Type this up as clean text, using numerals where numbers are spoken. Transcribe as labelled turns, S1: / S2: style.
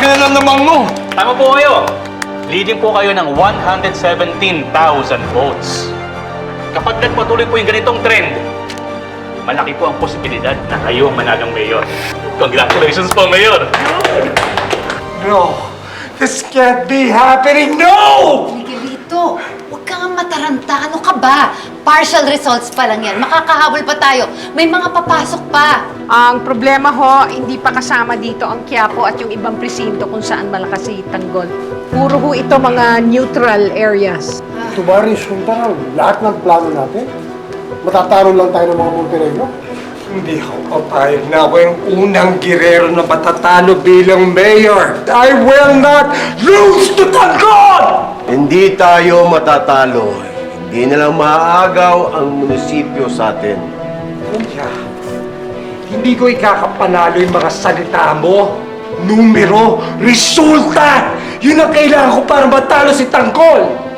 S1: Akin na naman mo!
S2: Tama po kayo. Leading po kayo ng 117,000 votes. Kapag nagpatuloy po yung ganitong trend, malaki po ang posibilidad na kayo ang managang mayor. Congratulations po, Mayor!
S1: No! This can't be happening! No!
S3: Miguelito, huwag ka nga mataranta. Ano ka ba? Partial results pa lang yan. Makakahabol pa tayo. May mga papasok pa.
S4: Ang problema ho, hindi pa kasama dito ang Quiapo at yung ibang presinto kung saan malakas si Tanggol. Puro ho ito mga neutral areas.
S5: Ito ba resulta ng lahat ng plano natin? Matatalo lang tayo ng mga Montenegro?
S1: Hindi ako papayag na ako yung unang girero na matatalo bilang mayor. I will not lose to Tanggol!
S6: Hindi tayo matatalo. Hindi na lang maaagaw ang munisipyo sa atin.
S1: Kuya, hindi ko ikakapanalo yung mga salita mo. Numero, resulta! Yun ang kailangan ko para matalo si Tanggol!